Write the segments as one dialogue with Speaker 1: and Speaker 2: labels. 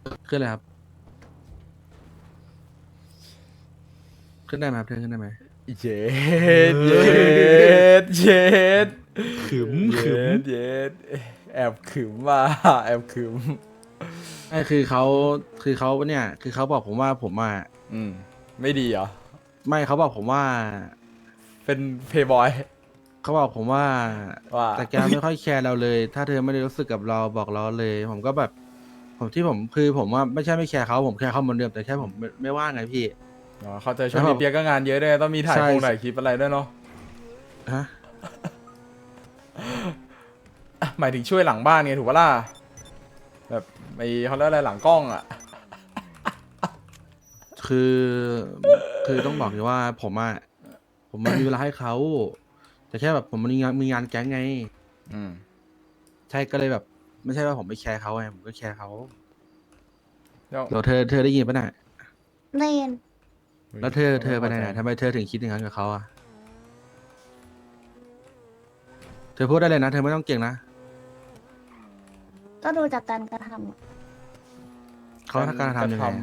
Speaker 1: ขึ้นเลยครับขึ้นได้ไหมครับเธอขึ้นได้ไหม
Speaker 2: เย็ดเย็ดเย็ด
Speaker 1: ขึม
Speaker 2: เย็
Speaker 1: ขึม
Speaker 2: ดเย็ดแอบขึมมาแอบขึม
Speaker 1: ไม่คือเขาเนี่ยคือเขาบอกผมว่าผมอ่ะ
Speaker 2: อืมไม่ดีเหรอ
Speaker 1: ไม่เขาบอกผมว่า
Speaker 2: เป็นเพย์บอย
Speaker 1: เขาบอกผมว่า
Speaker 2: ว่า
Speaker 1: แต่แกไม่ค่อยแคร์เราเลยถ้าเธอไม่ได้รู้สึกกับเราบอกเราเลยผมก็แบบผมคือผมว่าไม่ใช่ไม่แคร์เขาผมแคร์เขาเหมือนเดิมแต่แค่ผมไม่ว่างไงพี่
Speaker 2: อ๋อเข้าใจช่ว
Speaker 1: แล้วผม
Speaker 2: งนี้เปียกก็งานเยอะด้วยต้องมีถ่าย
Speaker 1: ใช่
Speaker 2: ถ่ายคลิปอะไรด้วยเนาะ
Speaker 1: ฮะ
Speaker 2: อ่ะหมายถึงช่วยหลังบ้านไงถูกปะล่ะแบบไอเขาเรียกอะไรหลังกล้องอ่ะ
Speaker 1: คือคือต้องบอกเลยว่าผมมันมีเวลาให้เขาแต่แค่แบบผมมันมีงานแก๊งไง
Speaker 2: อืม
Speaker 1: ใช่ก็เลยแบบไม่ใช่ว่าผมไม่แคร์เขาไงผมก็แคร์เขา
Speaker 2: แล้ว
Speaker 1: เดี๋ยวเธอได้ยินปะเนี่ย
Speaker 3: เรียน
Speaker 1: แล้วเธอไปไหน
Speaker 2: ไม่พอใจ
Speaker 1: ทำไมเธอถึงคิดอย่างนั้นกับเขาอ่ะเธอพูดได้เลยนะเธอไม่ต้องเก่งนะ
Speaker 3: ก็ดูจากการกระทำอะ
Speaker 1: เขาทำการทำยังไงอะ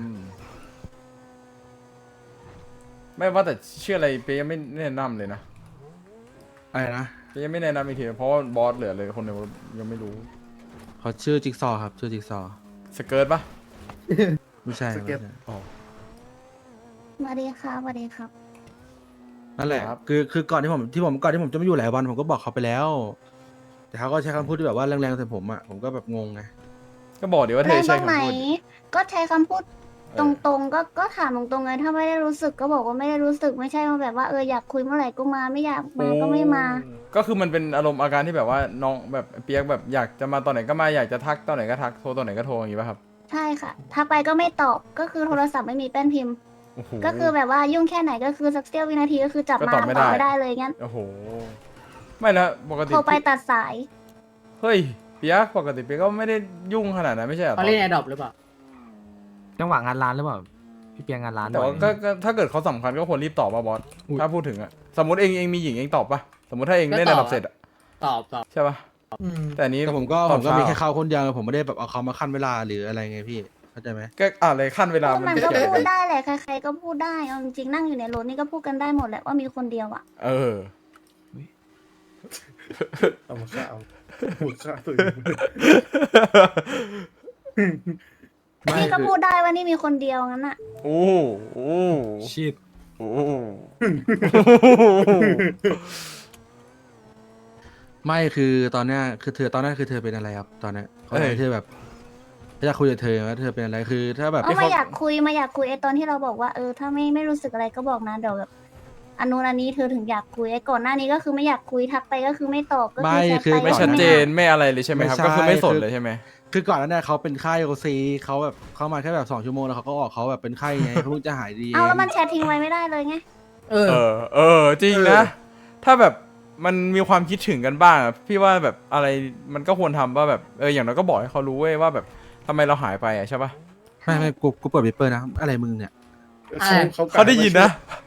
Speaker 2: ไม่ว่าแต่ชื่ออะไรเปียยังไม่แนะนำเลยนะ
Speaker 1: อะไรนะ
Speaker 2: เปียยังไม่แนะนำอีกทีเพราะว่าบอสเหลือเลยคนเดียวยังไม่รู้
Speaker 1: เขาชื่อจิ๊กซอว์ครับชื่อจิ๊กซอว์
Speaker 2: สเกิร์ตปะ
Speaker 1: ไม่ใช่ไม่ใช่
Speaker 2: อ๋อ
Speaker 3: สวัสดีครับสวัสดีครับ
Speaker 1: นั่นแหละ
Speaker 2: ครับ
Speaker 1: คือก่อนที่ผมจะไม่อยู่หลายวันผมก็บอกเขาไปแล้ว แต่เขาก็ใช้คำพูดที่แบบว่าแรงๆใส่ผมอ่ะผมก็แบบงงไง
Speaker 2: ก็บอกเดี๋ยวว่าเธ
Speaker 3: แร
Speaker 2: อง
Speaker 3: ตร
Speaker 2: ใช้
Speaker 3: งไหน
Speaker 2: คำพูด
Speaker 3: ก็ใช้คำพูด
Speaker 2: เอ
Speaker 3: ต
Speaker 2: อ
Speaker 3: รงๆ ก็ถามตรงๆไงถ้าไม่ได้รู้สึกก็บอกว่าไม่ได้รู้สึกไม่ใช่ว่าแบบว่าอยากคุยเมื่อไหร่ก็มาไม่อยากมาก็ไม่มา
Speaker 2: ก็คือมันเป็นอารมณ์อาการที่แบบว่าน้องแบบเปียกแบบอยากจะมาตอนไหนก็มาอยากจะทักตอนไหนก็ทักโทรตอนไหนก็โทรอย่างงี้ป่ะครับ
Speaker 3: ใช่ค่ะทักไปก็ไม่ตอบก็คือโทรศัพท์ไม่มีแป้นพิมพ์
Speaker 2: โอ้โห
Speaker 3: ก็คือแบบว่ายุ่งแค่ไหนก็คือสักเสี้ยววินาทีก็คือจับ
Speaker 2: ก็
Speaker 3: มา
Speaker 2: ตอบไม่ได้
Speaker 3: ไม่ได้เลยงั้น
Speaker 2: โอ้โหไม่แล้วปกติ
Speaker 3: โทรไปตัดสาย
Speaker 2: เฮ้ยเปียกปกติเปียกก็ไม่ได้ยุ่งขนาดนั้นไม่ใช่เหรอ
Speaker 4: เขาเล่นแอร์ดรอปหรือเปล่า
Speaker 5: จังหวะงานร้านหรือเปล่าพี่เปียงงานร้าน
Speaker 2: แต่ว่า
Speaker 5: บ่อย
Speaker 2: ก็ถ้าเกิดเขาสำคัญก็ควรรีบตอบป่ะบอส
Speaker 1: อุ๊ย
Speaker 2: ถ้าพูดถึงอะสมมติเองมีหญิงเองตอบป่ะสมมติถ้าเองเล่นระดับเสร็จอะ
Speaker 4: ตอบ
Speaker 2: ใช่ป่ะแต่อันนี้
Speaker 1: แต่ผมก็
Speaker 2: ตอบ
Speaker 1: มี
Speaker 2: ช้า
Speaker 1: แค่เขาคนเดียวผมไม่ได้แบบเอาเขามาขั้นเวลาหรืออะไรไงพี่เข้าใจไหม
Speaker 2: ก็อะไรขั้นเวลา
Speaker 3: ก็
Speaker 2: มั
Speaker 3: มัน น
Speaker 2: เกี่
Speaker 3: ก็
Speaker 2: ยว
Speaker 3: พู
Speaker 2: กั
Speaker 3: ด
Speaker 2: น
Speaker 3: ได้แหละใครๆก็พูดได้เอาจริงๆนั่งอยู่ในรถนี่ก็พูดกันได้หมดแหละว่ามีคนเดียวอ่ะ
Speaker 2: เออ
Speaker 6: เอามาฆ่าเอาหัวฆ่าตัวเอง
Speaker 3: นี่ก็พูดได้ว่านี่มีคนเดียวงั้นอ่ะ
Speaker 2: โอ้โห
Speaker 5: ชิด
Speaker 2: โอ้
Speaker 1: ไม่คือตอนเนี้ยคือเธอตอนนั้นคือเธอเป็นอะไรครับตอนเนี้ยเขาอยากให้เธอแบบเขาอยากคุยกับเธอว่าเธอเป็นอะไรคือถ้าแบบ
Speaker 3: ก็มาอยากคุยไอ้ตอนที่เราบอกว่าถ้าไม่รู้สึกอะไรก็บอกนะเดี๋ยวแบบอันนู้นอันนี้เธอถึงอยากคุยไอ้ก่อนหน้านี้ก็คือไม่อยากคุยทักไปก็คือไม่ตอบก็คือแชทไป
Speaker 2: ไม่
Speaker 3: ก็
Speaker 2: ชัด
Speaker 3: ไม่
Speaker 2: เจน
Speaker 3: อ่าน
Speaker 2: ไม่อะไรเลยใช่ไหมครับ
Speaker 1: ไม่ใช่
Speaker 2: ก็คือไม่สน
Speaker 1: คือ
Speaker 2: เลยใช่ไหม
Speaker 1: คือก่อนหนั้านเนี่ยเขาเป็นไข้โอซีเขาแบบเข้ามาแค่แบบ2 ชั่วโมงแล้วเขาก็ออกเขาแบบเป็นไข้ไงเขาเพิ่งจะหายดี
Speaker 3: เอาแล้วมันแชททิ้งไว้ไม่ได้เลยไง
Speaker 4: เออ
Speaker 2: เออจริงนะ ถ้าแบบมันมีความคิดถึงกันบ้างอะพี่ว่าแบบอะไรมันก็ควรทำว่าแบบอย่างน้อยก็บอกให้เขารู้เว้ยว่าแบบทำไมเราหายไปอะใช่ปะ
Speaker 1: ไม่กูเปิดวิปเปอร์นะอะไรมึงเนี่ย
Speaker 2: เขาได้ยินนะ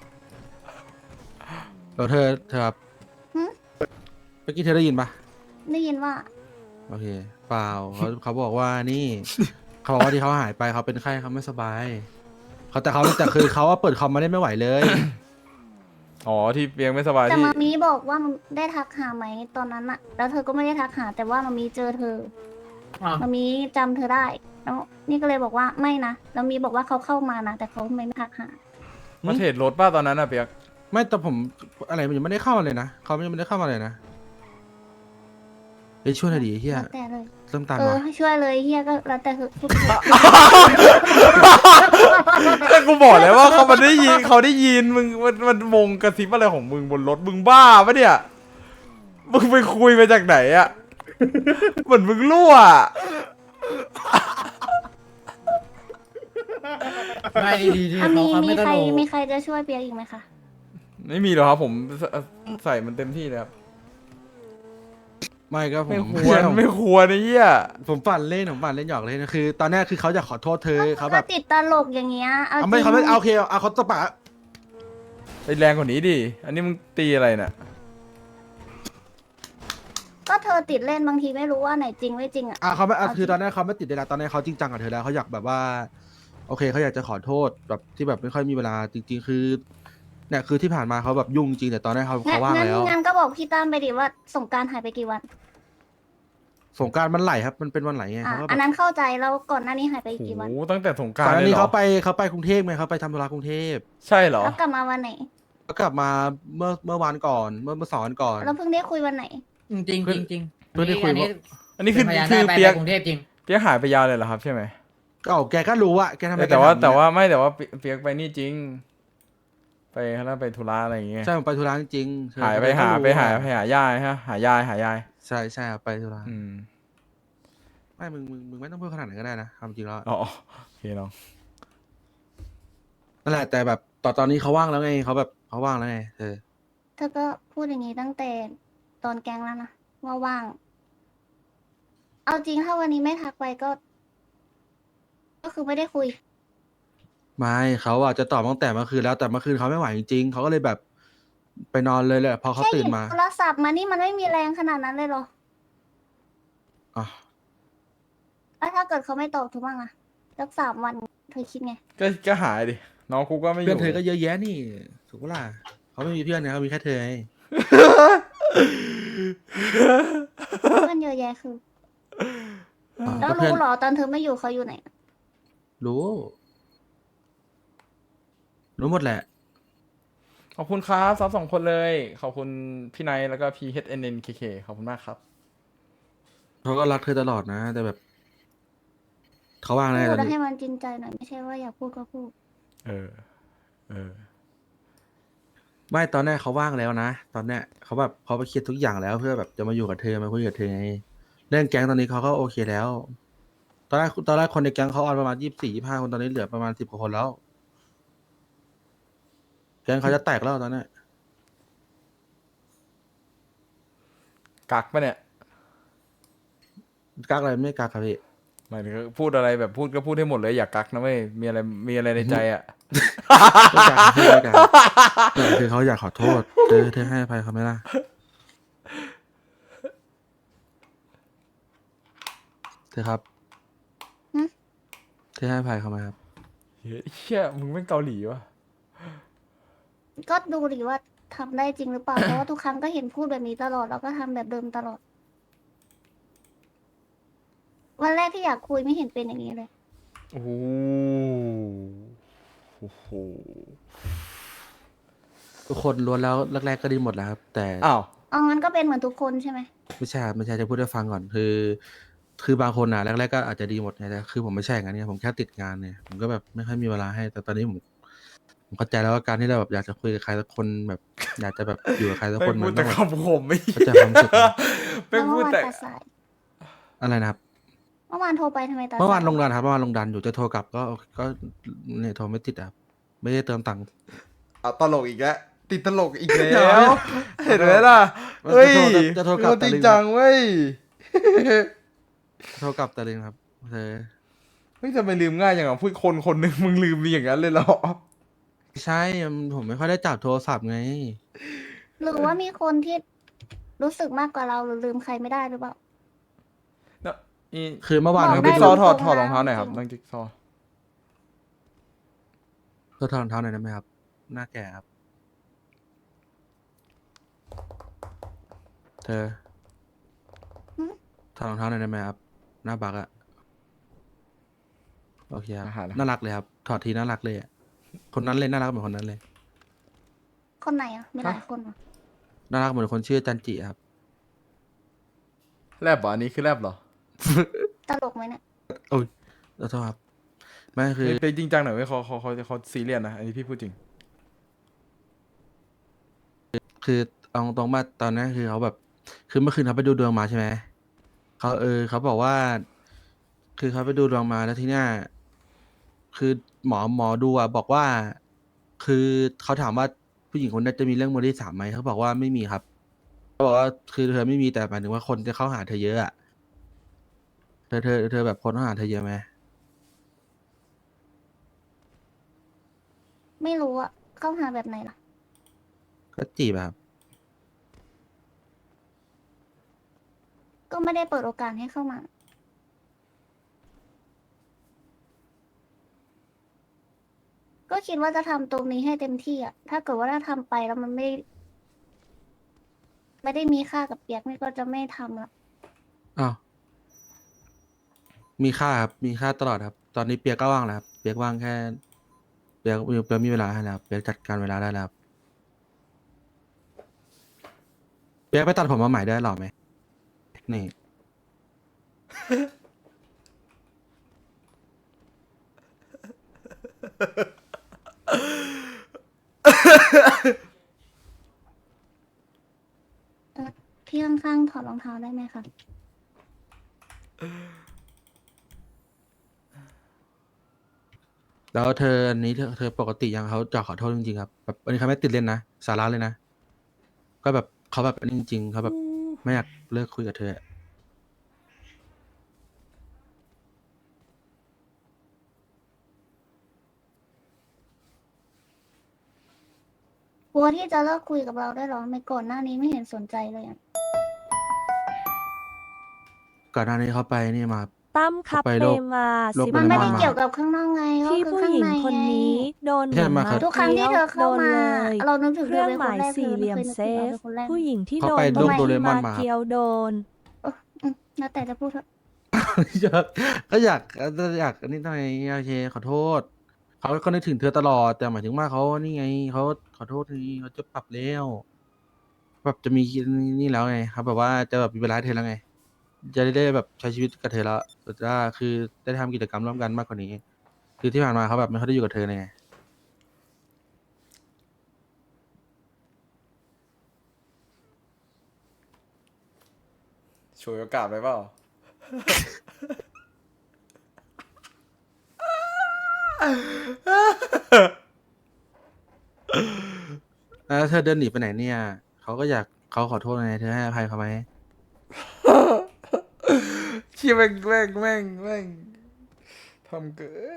Speaker 1: เดี๋ยวเธอครับเมื่อกี้เธอได้ยินปะ
Speaker 3: ได้ยินว่า
Speaker 1: โอเคเปล่าเขาบอกว่านี่ เขาบอกว่าที่เขาหายไปเขาเป็นไข้เขาไม่สบายแต่คือเขาว่าเปิดคอมมาได้ไม่ไหวเลย
Speaker 2: อ๋อที่เปียงไม่สบาย
Speaker 3: แต่
Speaker 2: ที่
Speaker 3: มามีบอกว่ามันได้ทักหาไหมตอนนั้นอะแล้วเธอก็ไม่ได้ทักหาแต่ว่ามามีเจอเธอ
Speaker 4: อ้าว
Speaker 3: มามีจำเธอได้แล้วนี่ก็เลยบอกว่าไม่นะแล้วมีบอกว่าเขาเข้ามานะแต่เขาไม่ทักหา
Speaker 2: มาเทรดรถป้าตอนนั้นอะเปียก
Speaker 1: ไม่แต่ผมอะไรมันยังไม่ได้เข้ามาเลยนะเขายังไม่ได้เข้ามาเลยนะเฮ้ยช่วยหน่อยดิเฮีย
Speaker 3: แล้วแต่เลย
Speaker 1: เริ่มตัน
Speaker 3: ให้
Speaker 1: ว่ะ
Speaker 3: ช่วยเลยเฮียก็แล้วแต่เธอพูด
Speaker 2: แต่กูบอกแล้วว่าเขาได้ยินเขาได้ยินมึงมันวงกระซิบอะไรของมึงบนรถมึงบ้าปะเนี่ยมึงไปคุยมาจากไหนอะเหมือนมึงรั่วอะ
Speaker 4: ไม่ดีๆ
Speaker 3: อ่ะ
Speaker 4: เขา
Speaker 3: มี
Speaker 4: ไม่ต
Speaker 3: ใคร
Speaker 4: ลก
Speaker 3: มีใครจะช่วยเปียกอีกไหมคะ
Speaker 2: ไม่มีหรอกครับผมใส่มันเต็มที่เลยครับ
Speaker 1: ไม่ก็ผม
Speaker 2: ไม่ควรไม่ควรไอ้เหี้ย
Speaker 1: ผมปั่นเล่นหยอกเล่นนะคือ ตอนแรกคือเขาอยากขอโทษเธอเขาแบบ
Speaker 3: ก็ติดตลกอย่างเงี้ยเอา
Speaker 1: เอาไม่
Speaker 3: จริง
Speaker 1: เขาไม่เอาโอเคเอาเขาตบปาก
Speaker 2: ไปแรงกว่านี้ดิอันนี้มึงตีอะไรน่ะ
Speaker 3: ก็เธอติดเล่นบางทีไม่รู้ว่าไหนจริงไม่จริงอ่ะ
Speaker 1: เขาไม่
Speaker 3: เอาจริง
Speaker 1: คือตอนนี้เขาไม่ติดเลยละตอนนี้เขาจริงจังกับเธอแล้วเขาอยากแบบว่า โอเคเขาอยากจะขอโทษแบบที่แบบไม่ค่อยมีเวลาจริง ๆ คือเนี่ยคือที่ผ่านมาเขาแบบยุ่งจริงแต่ตอนนี้เขาว่างแล้ว
Speaker 3: งั้นก็บอกพี่ตั้มไปดิว่าสงกรารหายไปกี่วัน
Speaker 1: สงกรารมันไหลครับมันเป็นวันไหลไง
Speaker 3: อ่ะ
Speaker 1: เขาก็แบ
Speaker 3: อัน
Speaker 1: บ
Speaker 3: นั้นเข้าใจแล้วก่อนหน้านี้หายไป
Speaker 2: โอ้
Speaker 3: กี่วัน
Speaker 2: โหตั้งแต่สงก
Speaker 1: ก่
Speaker 2: รา
Speaker 1: อน
Speaker 2: ร
Speaker 1: หน้า
Speaker 2: เลย
Speaker 1: นี้
Speaker 2: เหรอ
Speaker 1: เขาไปกรุงเทพไงเขาไปทำธุระกรุงเทพ
Speaker 2: ใช่เหรอ
Speaker 3: แล้วกลับมาวันไหน
Speaker 1: แล้วกลับมาเมื่อวานก่อนเมื่อสองวันก่อน
Speaker 3: แล้วเพิ่งได้คุยวันไหน
Speaker 4: จริงจริงจริงจริง
Speaker 1: เพิ่งได้คุย
Speaker 4: อันนี้
Speaker 2: อันนี้คือ
Speaker 4: เป็นพยาน
Speaker 2: คือ
Speaker 4: ได้ไป
Speaker 2: เปียก
Speaker 4: กรุงเทพจริง
Speaker 2: เปียกหายไปยาวเลยเหรอครับใช่ไหม
Speaker 1: ก็แกก็รู้อะแกทำไม
Speaker 2: แต่ว่า
Speaker 1: แกทำอย่ง
Speaker 2: แต่
Speaker 1: เงี้ย
Speaker 2: ว่าไม่แต่ว่าเปียกไปนี่จริง ไปเขาเรียกไปธุระอะไรอย่างเงี้ย
Speaker 1: ใช่ผมไปธุระจริงๆ
Speaker 2: หายไป
Speaker 1: แกก็
Speaker 2: หา
Speaker 1: รู้
Speaker 2: ไปหา
Speaker 1: อะ
Speaker 2: ไปหายายฮะหายาย
Speaker 1: ใช่ใช่ครับไปธุระ
Speaker 2: อืม
Speaker 1: ไม่มึงไม่ต้องพูดขนาดนั้นก็ได้นะความจริงแล้ว
Speaker 2: อ๋อโอเคน้อง
Speaker 1: นั่นแหละแต่แบบตอนนี้เขาว่างแล้วไงเขาแบบเขาว่างแล้วไงเออ
Speaker 3: เธอก็พูดอย่างนี้ตั้งแต่ตอนแกงแล้วนะว่าว่าง เอาจริงถ้าวันนี้ไม่ทักไปก็คือไม่ได้คุย
Speaker 1: ไม่เขาอะจะตอบตั้งแต่เมื่อคืนแล้วแต่เมื่อคืนเขาไม่ไหวจริงๆเขาก็เลยแบบไปนอนเลยแหละพอเขา
Speaker 3: แค่ห
Speaker 1: ตื่
Speaker 3: ยิ
Speaker 1: น
Speaker 3: บ
Speaker 1: มา
Speaker 3: โทรศัพท์มานี่มันไม่มีแรงขนาดนั้นเลยเหรอ
Speaker 1: อ่ะ
Speaker 3: แล้วถ้าเกิดเขาไม่ตอบถูกบ้างอะสัก3 วันเธอคิดไง
Speaker 2: ก็หายดิน้องกูก็ไม่อ
Speaker 1: เพื่อน
Speaker 2: ยู่
Speaker 1: เธอก็เยอะแยะนี่ถูกปะล่ะเขาไม่มีเพื่อนนะเขามีแค่เธอไง
Speaker 3: เพื่อนเยอะแยะคือ
Speaker 1: อ่ะ
Speaker 3: แล้ว
Speaker 1: ก็เพื่อน
Speaker 3: รู้เหรอตอนเธอไม่อยู่เขาอยู่ไหน
Speaker 1: รู้รู้หมดแหละ
Speaker 2: ขอบคุณครับซับ2 คนเลย ขอบคุณพี่ไนท์แล้วก็พี่ HNNKK ขอบคุณมากครับ
Speaker 1: เขาก็รักเธอตลอดนะ แต่แบบเขาว่างแน่
Speaker 3: พู
Speaker 1: ต
Speaker 3: ด
Speaker 1: อน
Speaker 3: แล้ว
Speaker 1: นี้
Speaker 3: ให้มันจริงใจหน่อยไม่ใช่ว่าอยากพูดก็พูด
Speaker 2: เออ เออ
Speaker 1: ไม่ตอนแรกเขาว่างแล้วนะตอนเนี้ยเขาแบบเขาไปเคลียร์ทุกอย่างแล้วเพื่อแบบจะมาอยู่กับเธอมาคุยกับเธอไงเรื่องแก๊งตอนนี้เขาก็โอเคแล้ว ตอนแรกคนในแก๊งเขาออนประมาณ24-25 คนตอนนี้เหลือประมาณ10 กว่าคนแล้ว แก๊งเขาจะแตกแล้วตอนเนี้ย
Speaker 2: กักปะเนี่ย
Speaker 1: กักอะไรไม่กักครับพี่
Speaker 2: หมายถึงพูดอะไรแบบพูดก็พูดให้หมดเลยอย่ากักนะเว้ยมีอะไรในใจอ่ะ
Speaker 1: ไม่กักไม่กักคือเขาอยากขอโทษเธอให้อภัยเขาไหมล่ะเธอครับ
Speaker 3: หึ
Speaker 1: เธอให้อภัยเขาไหมครับ
Speaker 2: เฮียมึงเป็นเกาหลีวะ
Speaker 3: ก็ดูดิว่าทำได้จริงหรือเปล่า เพราะว่าทุกครั้งก็เห็นพูดแบบนี้ตลอดแล้วก็ทำแบบเดิมตลอด วันแรกที่อยากคุยไม่เห็นเป็นอย่างนี้เลย
Speaker 2: โอ้โหโอ้โห
Speaker 1: ทุกคนล้วนแล้วแรกๆก็ดีหมดแล้วครับ แต่
Speaker 2: อ้าว
Speaker 3: เอางั้นก็เป็นเหมือนทุกคนใช่ไหม
Speaker 1: ไม่ใช่ครับไม่ใช่จะพูดให้ฟังก่อนคือบางคนอ่ะแรกๆก็อาจจะดีหมดไงแต่คือผมไม่ใช่อย่างนั้นเนี่ยผมแค่ติดงานเนี่ยผมก็แบบไม่ค่อยมีเวลาให้ แต่ตอนนี้ผมเข้าใจแล้วว่าการที่เราแบบอยากจะคุยกับใครสักคนแบบ อยากจะแบบอยู่กับใครสัก
Speaker 2: ไม่
Speaker 1: คน
Speaker 2: พู
Speaker 1: มั
Speaker 2: ด
Speaker 1: น
Speaker 2: แต่
Speaker 1: ต้องแบบ
Speaker 2: คำคมไม่
Speaker 1: เข้าใจความรู้สึกนะ
Speaker 2: ไม่
Speaker 3: แล้ว
Speaker 2: พู
Speaker 3: เมื่
Speaker 2: ด
Speaker 3: อวาน
Speaker 2: แต่
Speaker 3: ตาสาย
Speaker 1: อะไรนะครับ
Speaker 3: เมื่อวานโทรไปทำไมตาสาย
Speaker 1: เมื่อวานลงดันครับเมื่อวานลงดันอยู่จะโทรกลับก็เนี่ยโทรไม่ติดอะครับไม่ได้เติมตังค์
Speaker 2: เอาตลกอีกแล้วติดตลกอีกแล้
Speaker 1: เดี๋ยว
Speaker 2: ว เห็นไหมล่ะเฮ้ย
Speaker 1: จะโทรกลับ
Speaker 2: มึงจริง
Speaker 1: แต่ลืม
Speaker 2: จังเว้ย
Speaker 1: โทรกลับแต่เลยครับเธอ
Speaker 2: เฮ้ยทำไมลืมง่ายอย่างอ่ะพูดคนหนึ่งมึงลืมมีอย่างนั้นเลยเหรอ
Speaker 1: ไม่ใช่ผมไม่ค่อยได้จับโทรศัพท์ไง
Speaker 3: หรือว่ามีคนที่รู้สึกมากกว่าเราหรือลืมใครไม่ได้หรือเปล่า
Speaker 2: นี่
Speaker 1: คือเมื่อวาน
Speaker 3: บ
Speaker 2: น้
Speaker 3: ก
Speaker 2: อง
Speaker 3: ได้
Speaker 2: จิ๊กซอว์ถอด
Speaker 3: ตรงๆ
Speaker 2: ถอดรองเท้าหน่อยครับ
Speaker 3: จริง
Speaker 2: น้องจิ๊กซอว์
Speaker 1: เธอถอดรองเท้าหน่อยได้ไหมครับ หน้าแก่ครับ เธอ
Speaker 3: หึ
Speaker 1: ถอดรองเท้าหน่อยได้ไหมครับ หน้าบักอะโอเคครับ
Speaker 2: อาหารนะ
Speaker 1: น่ารักเลยครับ ถอดทีน่ารักเลยอะคนนั้นเลยน่ารักเหมือนคนนั้นเลย
Speaker 3: คนไหนอ่ะ มีหลายคนเหรอ
Speaker 1: น่ารักเหมือนคนชื่อจันจิครับ
Speaker 2: แลบเหรออันนี้คือแลบเหรอ
Speaker 3: ตลกไหมเนี่ย
Speaker 1: โอ้ยขอโทษครับ ไม่คือ
Speaker 2: ไปจริงจังหน่อยเว้ยเขาซีเรียสนะ อันนี้พี่พูดจริง
Speaker 1: คือเอาตรงๆมาตอนนั้นคือเขาแบบ คือเมื่อคืนเขาไปดูดวงมาใช่ไหมเขาบอกว่า คือเขาไปดูดวงมาแล้วทีเนี้ยคือหมอดูอ่ะบอกว่า คือเขาถามว่าผู้หญิงคนนั้นจะมีเรื่องมือที่สามไหมเขาบอกว่าไม่มีครับเขาบอกว่าคือเธอไม่มีแต่หมายถึงว่าคนจะเข้าหาเธอเยอะอ่ะเธอแบบคนเข้าหาเธอเยอะไหม
Speaker 3: ไม่รู้อ่ะ เข้าหาแบบไหนล่ะ
Speaker 1: ก็จีบอะครับ
Speaker 3: ก็ไม่ได้เปิดโอกาสให้เข้ามา ก็คิดว่าจะทำตรงนี้ให้เต็มที่อ่ะ ถ้าเกิดว่าถ้าทำไปแล้วมันไม่ได้มีค่ากับเปียกนี่ก็จะไม่ทำละ
Speaker 1: อ้าวมีค่าครับมีค่าตลอดครับ ตอนนี้เปียกก็ว่างแล้วครับเปียกว่างแค่เปียกมีเวลาให้แล้วครับเปียกจัดการเวลาได้แล้วครับเปียกไปตัดผมมาใหม่ได้หรอไหมนี่
Speaker 3: พี่ข้างๆถอดรองเท้าได้ไหมคะ
Speaker 1: แล้วเธออันนี้เธอปกติยังเขาจะขอโทษจริงๆครับแบบอันนี้เขาไม่ติดเล่นนะสาระเลยนะก็แบบเขาแบบอันนี้จริงๆเขาแบบไม่อยากเลิกคุยกับเธออะ
Speaker 3: กลัวที่จะเลิกคุยกับเราได้หรอไม่ก่อนหน้านี้ไม่เห็นสนใจเลยอ่ะ
Speaker 1: ก่อนหน้านี้เขาไปนี่มา
Speaker 7: ตั้มครับ
Speaker 1: ไป
Speaker 7: เป
Speaker 1: โลก
Speaker 7: มา
Speaker 1: โลก
Speaker 7: สิบ
Speaker 1: ไป
Speaker 3: มันไม่ได้
Speaker 1: มา
Speaker 3: เกี่ยวกับข้างนอกไงก็
Speaker 7: ที่
Speaker 3: คือ
Speaker 7: ผู้
Speaker 3: ข้าง
Speaker 7: หญิง
Speaker 3: ใน
Speaker 7: คน
Speaker 3: ไง
Speaker 7: นี้โดน
Speaker 1: ใช่มาครับ
Speaker 3: ทุกครั้งที่เธอเข้ามา
Speaker 7: โดนเลย
Speaker 3: เรานึกถึง
Speaker 7: เค
Speaker 3: เธ
Speaker 7: รื่
Speaker 3: อ
Speaker 7: อง
Speaker 3: เป็น
Speaker 7: ห
Speaker 3: ค
Speaker 7: มาน ย
Speaker 3: แรก
Speaker 7: สี่เหลี่ยม
Speaker 3: คยนึก
Speaker 7: เซ
Speaker 3: ถึงเรา
Speaker 7: ฟ
Speaker 3: เป็นคนแรก
Speaker 7: ผู้หญิงที่
Speaker 1: เขา
Speaker 7: โด
Speaker 1: ไป
Speaker 7: น
Speaker 1: โลก
Speaker 7: ผู้หญิง
Speaker 1: โดเรมอน
Speaker 7: มา
Speaker 1: มาครับ
Speaker 7: เกียวโดน
Speaker 3: แล้วแต่จะพูดเถอะ
Speaker 1: ก็อยากอันนี้ทำไมโอเคขอโทษเขาก็นึกถึงเธอตลอดแต่หมายถึงว่าเขานี่ไงเขาขอโทษทีเขาจะปรับแล้วแบบจะมีนี่แล้วไงครับแบบว่าจะแบบมีเวลาให้เธอแล้วไงจะได้แบบใช้ชีวิตกับเธอแล้วแต่ว่าคือได้ทำกิจกรรมร่วมกันมากกว่านี้ คือที่ผ่านมาเขาแบบไม่ค่อยได้อยู่กับเธอเลยไง
Speaker 2: ฉวยโอกาสไปเปล่า
Speaker 1: แล้วเธอเดินหนีไปไหนเนี่ยเขาก็อยากเขาขอโทษไงเธอให้อภัยเขาไหม
Speaker 2: เชี่ยแม่งทำเกิน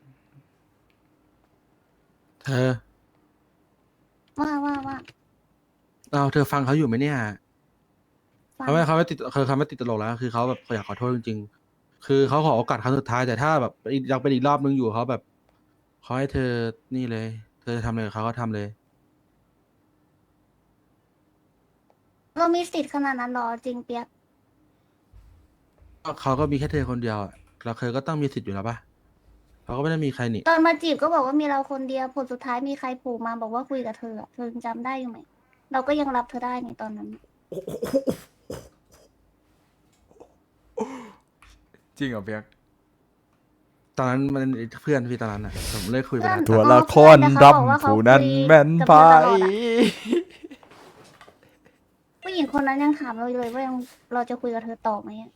Speaker 1: เธอ
Speaker 3: ว่า
Speaker 1: เอาเธอฟังเขาอยู่ไหมเนี่ย
Speaker 3: ฟัง
Speaker 1: เขาไม่ติดเขาไม่ติดตลกแล้วคือเขาแบบเขาอยากขอโทษจริงๆคือเขาขอโอกาสครั้งสุดท้ายแต่ถ้าแบบยังเป็นอีกรอบนึงอยู่เขาแบบเขาให้เธอนี่เลย เธอทำอะไรกับเขาก็ทำเลย
Speaker 3: เรามีสิทธิ์ขนาดนั้นหรอจริงเปียก
Speaker 1: ก็เขาก็มีแค่เธอคนเดียวอะแล้วเธอก็ต้องมีสิทธิ์อยู่แล้วปะเขาก็ไม่ได้มีใครนี่
Speaker 3: ตอนมาจีบก็บอกว่ามีเราคนเดียวผลสุดท้ายมีใครโผล่มาบอกว่าคุยกับเธออะเธอยังจำได้อยู่ไหม เราก็ยังรับเธอได้ในตอนนั้น
Speaker 2: จริงเหรอเปียก
Speaker 1: ตอนนั้นมันเพื่อนพี่ตอนนั้นอ่ะผมเลิกคุยไปแล้ว
Speaker 3: เพื่
Speaker 2: ตัว
Speaker 3: อน
Speaker 2: ละครดำผู้นั้นแม่นไป
Speaker 3: ผู้หญิงคนนั้นยังถามเราเลยว่ายังเราจะคุยกับเธอต่อไหมอะ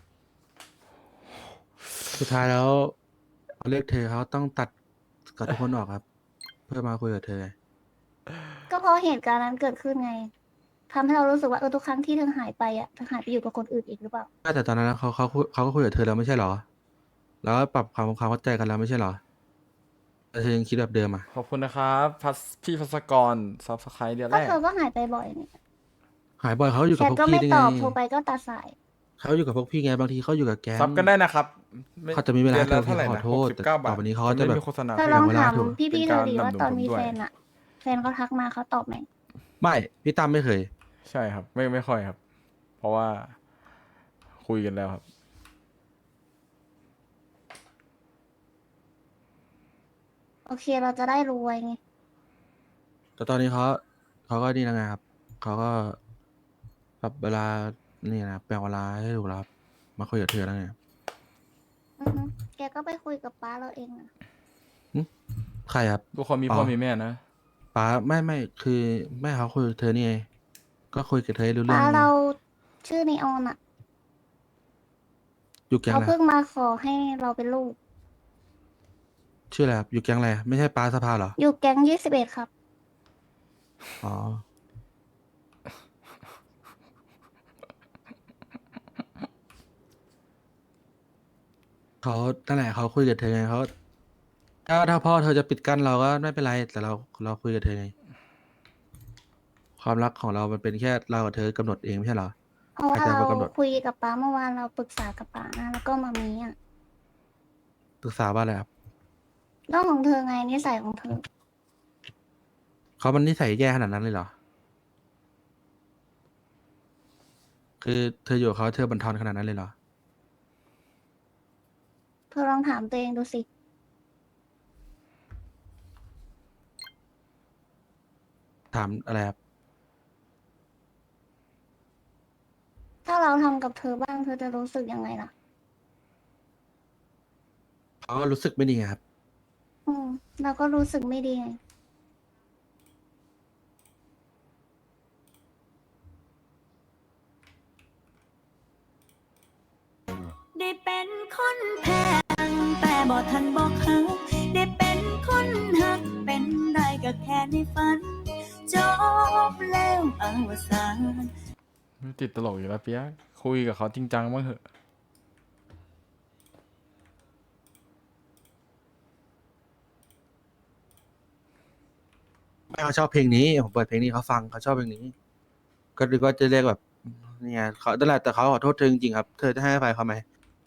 Speaker 1: สุดท้ายแล้วเขาเลือกเธอเขาต้องตัดกับทุกคนออกครับ เพื่อมาคุยกับเธอ
Speaker 3: ก็เพราะเหตุการณ์นั้นเกิดขึ้นไงทำให้เรารู้สึกว่าทุกครั้งที่เธอหายไปเธอหายไปอยู่กับคนอื่นอีกหรือเปล่า
Speaker 1: แต่ตอนนั้นเขาก็คุยกับเธอแล้วไม่ใช่เหรอ แล้วก็ปรับความเข้าใจกันแล้วไม่ใช่เหรอแต่เธอยังคิดแบบเดิมอ่ะ
Speaker 2: ขอบคุณนะครับพี่พัสกรซับสไครต์เดือน
Speaker 3: ก็
Speaker 2: แรก
Speaker 3: เธอก็หายไปบ่อยนี่
Speaker 1: หายบ่อยเขาอยู่
Speaker 3: แช
Speaker 1: กับ
Speaker 3: ท
Speaker 1: พวก
Speaker 3: ก็
Speaker 1: พี่
Speaker 3: ไม่
Speaker 1: ได้
Speaker 3: ต
Speaker 1: ไง
Speaker 3: อบโทรไปก็ตัดสาย
Speaker 1: เขาอยู่กับพวกพี่ไงบางทีเขาอยู่กับแก๊ง
Speaker 2: ซับกันได้นะครับไม่
Speaker 1: เขาจะมีเวลา
Speaker 2: ดือนละ
Speaker 1: ให้
Speaker 2: เท่าไหร่
Speaker 1: ขอ
Speaker 2: นะ
Speaker 1: โทษ
Speaker 2: 69 บาท
Speaker 1: ต่อไปนี้เขาจะแบบ
Speaker 2: ไม่มีโฆษณา
Speaker 3: เธอลอง
Speaker 1: เวลา
Speaker 3: ถาม
Speaker 1: ถูก
Speaker 3: พี่ๆเธอดี
Speaker 2: เป็นการ
Speaker 3: ว่าตอนมี
Speaker 2: ดำรงผมด้วย
Speaker 3: แฟนแฟนเขาทักมาเขาตอบไหม
Speaker 1: ไม่พี่ตั้มไม่เคย
Speaker 2: ใช่ครับ ไม่ค่อยครับ เพราะว่าคุยกันแล้วครับ
Speaker 3: โอเคเราจะได้รู้ไว้ไง
Speaker 1: แต่ตอนนี้เขาก็นี่แล้วไงครับเขาก็ปรับเวลานี่นะแปลงเวลาให้ถูกแล้วครับมาคุยกับเธอแล้วไง
Speaker 3: อือฮึแกก็ไปคุยกับป้าเราเองอะ
Speaker 1: ใครครับ
Speaker 2: ทุกคนมี
Speaker 1: อ๋อ
Speaker 2: พ่อมีแม่นะ
Speaker 1: ป้าไม่คือแม่เขาคุยกับเธอนี่ไงก็คุยกับเธอให้รู้เรื่อ
Speaker 3: ป้าง
Speaker 1: ไง
Speaker 3: เราชื่อนีออนอะ
Speaker 1: อยู่แก๊ง
Speaker 3: เขา
Speaker 1: อะไร
Speaker 3: เพิ่งมาขอให้เราเป็นลูก
Speaker 1: ชื่ออะไรครับอยู่แก๊งอะไรไม่ใช่ป้าสภาเหรอ
Speaker 3: อยู่แก๊ง21ครับ
Speaker 1: อ๋อเขานั่นแหละเขาคุยกับเธอไงเขาถ้าพ่อเธอจะปิดกั้นเราก็ไม่เป็นไรแต่เราคุยกับเธอไงความรักของเรามันเป็นแค่เรากับเธอกำหนดเองไม่ใช่เหรอ
Speaker 3: เพราะ
Speaker 1: ใคร
Speaker 3: ว่า
Speaker 1: จะ
Speaker 3: เรา
Speaker 1: มากำหนด
Speaker 3: คุยกับป้าเมื่อวานเราปรึกษากับป้านะแล้วก็มามีอ่ะ
Speaker 1: ปรึกษาว่าอะไรครับ
Speaker 3: เรื่องของเธอไงนิสัยของเธอ
Speaker 1: เขามันนิสัยแย่ขนาดนั้นเลยเหรอ คือเธออยู่กับเขาเธอบันทอนขนาดนั้นเลยเหรอ
Speaker 3: เธอลองถามตัวเองดูสิ
Speaker 1: ถามอะไรครับ
Speaker 3: ถ้าเราทำกับเธอบ้างเธอจะรู้สึกยังไงล่ะ
Speaker 1: เขาก็รู้สึกไม่ดีไงครับ
Speaker 3: อืมเราก็รู้สึกไม่ดีไง
Speaker 7: ได้เป็นคนแพงแต่บ่ทันบอกหักได้เป็นคนหักเป็นได้ก็แค่ในฝัน จบแล้วอวสาน
Speaker 2: ติดตลกอยู่แล้วเปียกคุยกับเขาจริงจังบ้างเหอะ
Speaker 1: ไม่เขาชอบเพลงนี้ผมเปิดเพลงนี้เขาฟังเขาชอบเพลงนี้ ก็นึกว่าจะเรียกแบบเนี่ยเขานั่นแหละแต่เขาขอโทษเธอจริงๆครับ เธอจะให้อภัยเขาไหม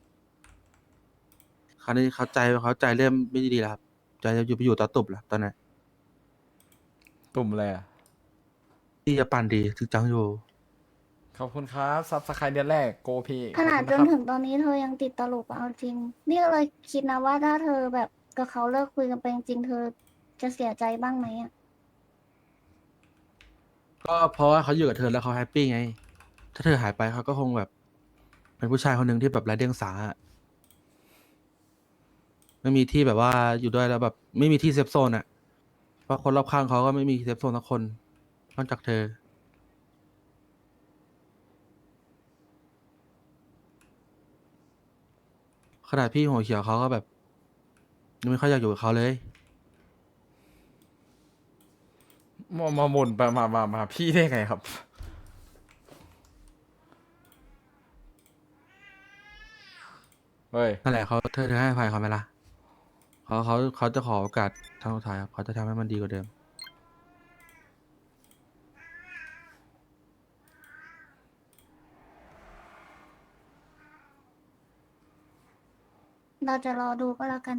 Speaker 1: คราวนี้เขาใจเริ่มไม่ดีแล้วครับใจจะอยู่ไปอยู่ต่อตุบแล้วตอนนั้น
Speaker 2: ตุ่มอะไรอ่ะ
Speaker 1: ที่จะปั่นดีถึงจังอยู่
Speaker 2: ขอบคุณครับซับสไครต์เดือนแรกโกพี
Speaker 3: ขนาด
Speaker 2: ข
Speaker 3: จ
Speaker 2: อบ
Speaker 3: น
Speaker 2: คุณ
Speaker 3: ถึ
Speaker 2: นะ
Speaker 3: งตอนนี้เธอยังติดตลกอะเอาจริง นี่ก็เลยคิดนะว่าถ้าเธอแบบกับเขาเลิกคุยกันไปจริงๆเธอจะเสียใจบ้างไหมอะ
Speaker 1: ก็เพราะว่าเขาอยู่กับเธอแล้วเขาแฮปปี้ไง ถ้าเธอหายไปเขาก็คงแบบ เป็นผู้ชายคนหนึ่งที่แบบไร้เดียงสาอะไม่มีที่แบบว่าอยู่ด้วยแล้วแบบ ไม่มีที่เซฟโซนอ่ะ เพราะคนรอบข้างเขาก็ไม่มีเซฟโซนสักคนนอกจากเธอ ขนาดพี่หัวเขียวเขาก็แบบยังไม่ค่อยอยากอยู่กับเขาเลย
Speaker 2: มาบ่นไปมาพี่ได้ไงครับ เฮ้ย
Speaker 1: นั่นแหละเธอให้อภัยเขาไหมล่ะเขาจะขอโอกาสทางสุดท้ายครับเขาจะทำให้มันดีกว่าเดิม
Speaker 3: เราจะรอดูก็แล้วกัน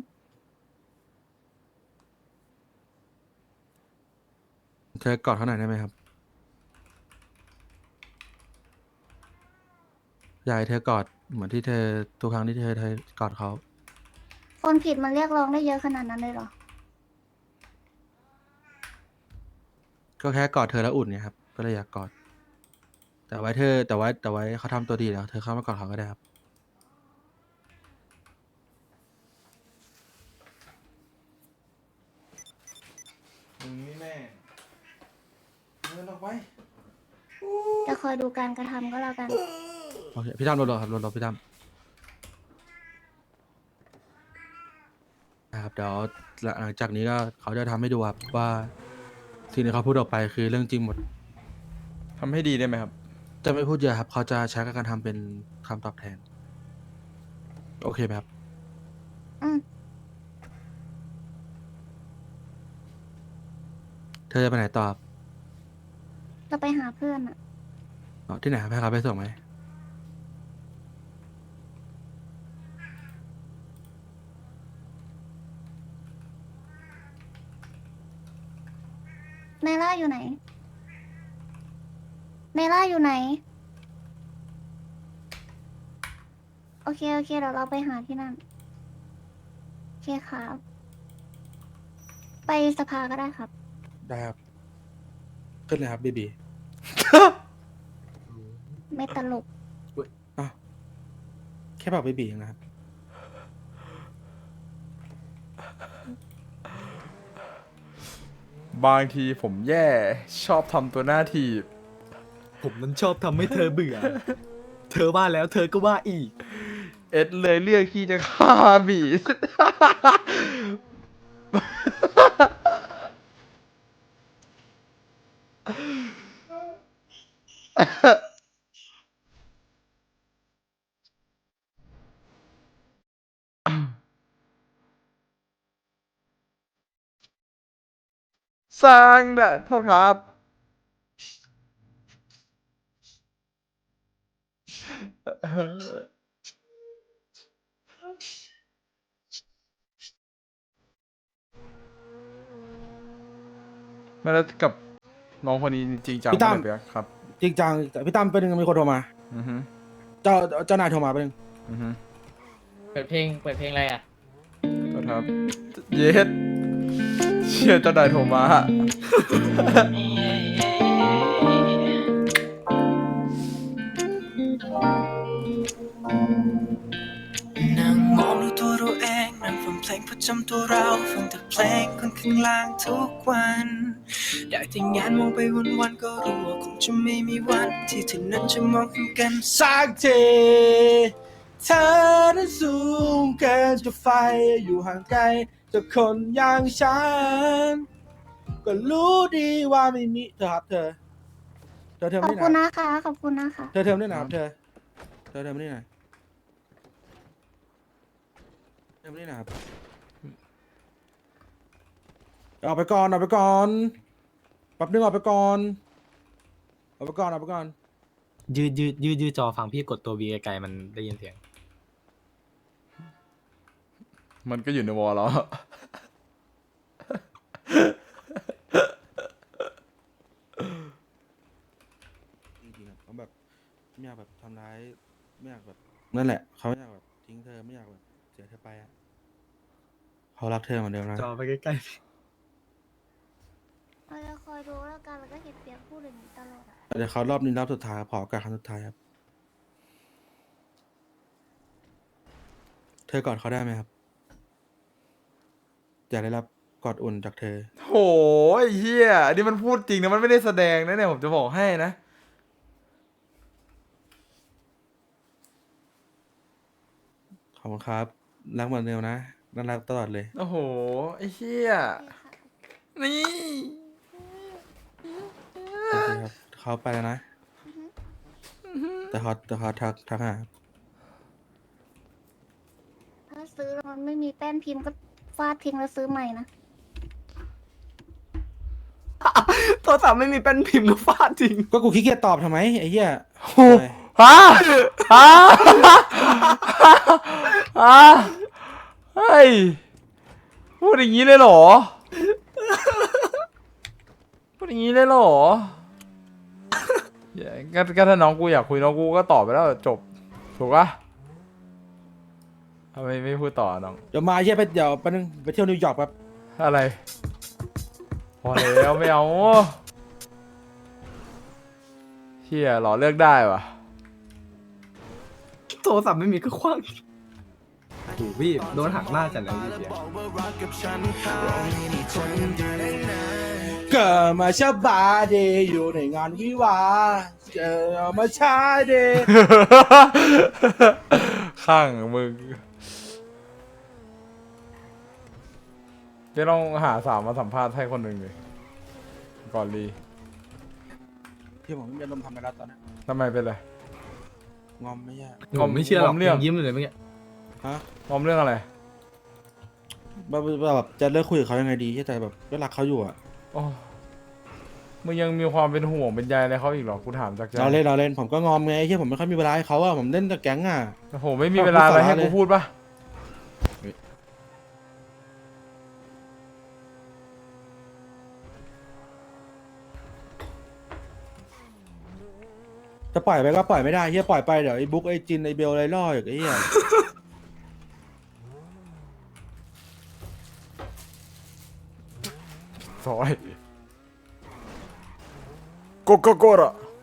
Speaker 1: เธอกอดเขาหน่อยได้ไหมครับอยากให้เธอกอดเหมือนที่เธอทุกครั้งที่เธอกอดเขา
Speaker 3: คนผิดมันเรียกร้องได้เยอะขนาดนั้นเลยเหรอ
Speaker 1: ก็แค่กอดเธอแล้วอุ่นเนี่ยครับก็เลยอยากกอดแต่ไว้เขาทำตัวดีแล้วเธอเข้ามากอดเขาก็ได้ครับ
Speaker 2: มึงนี่แม่เงินออกไป
Speaker 3: จะคอยดูการกระทำก็แล้วกัน
Speaker 1: โอเคพี่ตั้มรอครับรอพี่ตั้มนะครับเดี๋ยวหลังจากนี้ก็เขาจะทำให้ดูครับว่าสิ่งที่เขาพูดออกไปคือเรื่องจริงหมด
Speaker 2: ทำให้ดีได้ไหมครับ
Speaker 1: จะไม่พูดเยอะครับเขาจะใช้การทำเป็นคำตอบแทน โอเคไหมครับ
Speaker 3: อืม
Speaker 1: เธอจะไปไหนต่อครับ
Speaker 3: จะไปหาเพื่อนอะ
Speaker 1: อ๋อที่ไหนครับให้เขาไปส่งไหม
Speaker 3: ไนล่าอยู่ไหนไนล่าอยู่ไหน โอเคโอเคเดี๋ยวเราไปหาที่นั่น โอเคครับ ไปสภาก็ได้ครับ
Speaker 1: ได้ครับขึ้นเลยครับบีบี
Speaker 3: ไม่ตลก
Speaker 1: อุ๊ยอ้าวแค่บอกบีบีเองนะครับ
Speaker 2: บางทีผมแย่ชอบทำตัวหน้าทีบ
Speaker 8: ผมนั้นชอบทำให้เธอเบื่อ เธอว่าแล้วเธอก็ว่าอีก
Speaker 2: เอ็ดเลยเลือกที่จะฆ่าบีส สร้างนะโทษครับไม่แล้วกับน้องคนนี้จริงจัง
Speaker 1: พี่ตั้ม
Speaker 2: ปะเนี่ยครับ
Speaker 1: จริงจังแต่พี่ตั้มเป็นหนึ่งมีคนโทรมา
Speaker 2: อือฮึ
Speaker 1: เจ้านายโทรมาเป็นหนึ่ง
Speaker 2: อือฮึ
Speaker 4: เปิดเพลงอะไรอ่ะ
Speaker 2: ก็ครับ เย็ดเชี่ยเจ้านายโทรมา
Speaker 9: นั่งมองดูตัวเราเองนั่งฟังเพลงประจำตัวเราฟังแต่เพลงคนข้างล่างทุกวันได้แต่งานมองไปวันๆก็รู้ว่าคงจะไม่มีวันที่เธอนั้นจะมองเห็นกันสักทีเธอนั้นสูงเกินจะไฟอยู่ห่างไกลจากคนอย่างฉันก็รู้ดีว่าไม่มีเธอครับเธอ
Speaker 3: ขอบ
Speaker 1: ไม่
Speaker 3: คุณ
Speaker 1: นะ
Speaker 3: นะคะขอบคุณนะคะ
Speaker 1: เธอไม่นะครับเธอไม่ได้นะไม่ได้นะครับออกไปก่อนแป๊บนึงออกไปก่อน
Speaker 5: ยืดจอฟังพี่กดตัววีไกลๆมันได้ยินเสียง
Speaker 2: มันก็อยู่ในวอลแล้ว
Speaker 1: จริงๆอะเขาแบบไม่อยากแบบทำร้ายไม่อยากแบบนั่นแหละเขาไม่อยากแบบทิ้งเธอไม่อยากแบบเสียเธอไปอะเขารักเธอเหมือนเดิมนะ
Speaker 5: จอไปใกล้
Speaker 3: เราจะคอยดูแล้วกันแล้วก็เห็นเปียกพูดอย่างนี้ตลอดอะ
Speaker 1: เดี๋ยวเขารอบนี้รอบสุดท้ายขอโอกาสครั้งสุดท้ายครับเธอกอดเขาได้ไหมครับอยากได้รับกอดอุ่นจากเธอ
Speaker 2: โหไอ้เฮียอันนี้มันพูดจริงนะมันไม่ได้แสดงนะเนี่ยผมจะบอกให้นะ
Speaker 1: ขอบคุณครับรักเหมือนเดิมนะน่ารักตลอดเลย
Speaker 2: โอ้โหไอ้เฮียนี่
Speaker 1: โอเคครับเขาไปแล้วนะ แต่เขาทักหา
Speaker 3: ถ้าซื้อแล้วมันไม่มีแป้นพิมพ์ก็ฟาดทิ้งแล้วซื้อใหม่นะ
Speaker 8: ๆโทรศัพท์ไม่มีแป้นพิมพ์ก็ฟาดจริง
Speaker 1: ก็กูขี้เกียจตอบทำไมไอ้เหี้ย
Speaker 2: โอ้ฮะฮะฮะเฮ้ยพูดอย่างนี้เลยเหรอพูดอย่างนี้เลยเหรอก็ถ้าน้องกูอยากคุยน้องกูก็ตอบไปแล้วจบถูกปะทำไมไม่พูดต่อน้อง
Speaker 1: เดี๋ยวมาเหี้ยเดี๋ยวไปนึงไปเที่ยวนิวยอร์กแป๊บ
Speaker 2: อะไรพอแล้วไม่เอาเฮียหรอเลือกได้วะ
Speaker 8: โทรศัพท์ไม่มีก็คว้างโอ้พี่โดนหักหน้าจัดเลยพี่เบียร์
Speaker 1: เกิดมาชาบาเดย์อยู่ในงานวิวาห์เกิดมาชาเดย์
Speaker 2: ข้างมึงเดี๋ยวลองหาสาวมาสัมภาษณ์ให้คนหนึ่งเลยก่อนรี
Speaker 1: พี่ผมไม่มีอารมณ์ทำอะไรแล้วตอนนี้
Speaker 2: ทำไมเป็นไร
Speaker 1: งอมไม่ยาก
Speaker 8: ผมไม่เชื่อหรอก
Speaker 2: เรื่อง
Speaker 8: ยังยิ้มอยู่เลยเมื่อกี้
Speaker 1: ฮะ
Speaker 2: งอมเรื่องอะไร
Speaker 1: แบบจะเลิกคุยกับเขายังไงดีที่ใจแบบก็รักเขาอยู่อะ
Speaker 2: โอ้มึงยังมีความเป็นห่วงเป็นใยอะไรเขาอีกเหรอกูถามจากใจ
Speaker 1: เราเล่นผมก็งอมไงที่ผมไม่ค่อยมีเวลาให้เขาอะผมเล่นแต่แก๊งอะ
Speaker 2: โอ้โหไม่มีเวลาอะไรให้กูพูดปะ
Speaker 1: จะปล่อยไปก็ปล่อยไม่ได้เฮียปล่อยไปเดี๋ยวไอ้บุ๊กไอ้จินไอ้เบลอะไรล่ออีกไอ้เฮีย
Speaker 2: ซอยโกโกระ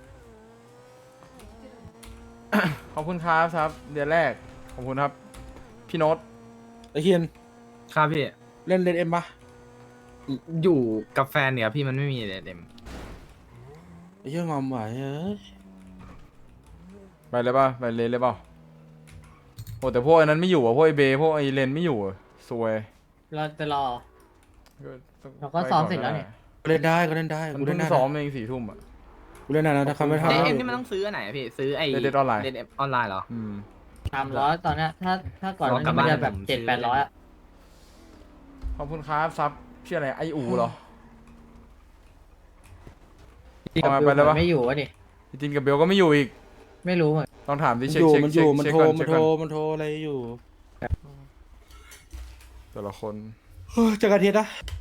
Speaker 2: ขอบคุณครับเดือนแรกขอบคุณครับพี่โน้ต
Speaker 1: ไอ้เฮียน
Speaker 5: ครับพี่
Speaker 1: เล่นเอ็มปะ
Speaker 5: อยู่กับแฟนเนี่ยพี่มันไม่มีเด็ม
Speaker 1: ไอ้เฮียงอมไหวเอ้ย
Speaker 2: ไปเลยป่ะไปเลยป่ะโอ้แต่พวกไอ้นั้นไม่อยู่อ่ะพวกไอ้เบย์พวกไอ้เลนไม่อยู่อ่ะซวย
Speaker 4: เราจะรอ เราก็
Speaker 2: ไป
Speaker 4: ซ้อมเสร็จแล้วเนี่ย
Speaker 1: ก็เล่นได้ก็เล่นได้
Speaker 2: มัน
Speaker 1: กู
Speaker 2: เพิ่
Speaker 1: เล่น
Speaker 2: ง
Speaker 1: ได้
Speaker 2: ซ้อม
Speaker 1: นะ
Speaker 2: เอง4 ทุ่มอ่ะ
Speaker 1: กูเล่นได้นะถ้าเขาไม่
Speaker 2: ครั
Speaker 1: ทำ
Speaker 2: บ
Speaker 5: เอ็มนี่มันต้องซื้ออันไหนอะพี่ซื้อไอ้
Speaker 2: Dead Online
Speaker 5: เดออนไลน์เหรอ
Speaker 4: 300ตอนเนี้ยถ้าก่อน
Speaker 5: รอกลั
Speaker 4: นั้
Speaker 5: บ
Speaker 4: น
Speaker 5: บ้าน
Speaker 4: มันจะแบบ
Speaker 5: ผมซื้อ
Speaker 4: 700-800อะ
Speaker 2: ขอบคุณครับซับชื่ออะไรไออูเหรอ เอามาไปเลยปะ
Speaker 4: ไม่อยู่วะดิ
Speaker 2: พี่จินกับเบลก็ไม่อยู่อีก
Speaker 4: ไม่รู้เหมือน
Speaker 2: ลองถามดิ
Speaker 1: มัน
Speaker 2: เช็
Speaker 1: อ
Speaker 2: ค
Speaker 1: ยู่
Speaker 2: เช็ค
Speaker 1: มันอ
Speaker 2: เช็ค
Speaker 1: ยู่มัน
Speaker 2: เช็ค
Speaker 1: โทร
Speaker 2: ก่อน
Speaker 1: มั
Speaker 2: เช็
Speaker 1: น
Speaker 2: ค
Speaker 1: โทร
Speaker 2: ก่อน
Speaker 1: มันโทรอะไรอยู่
Speaker 2: แต่ละคน
Speaker 1: เจอกันอาทิตย์นะ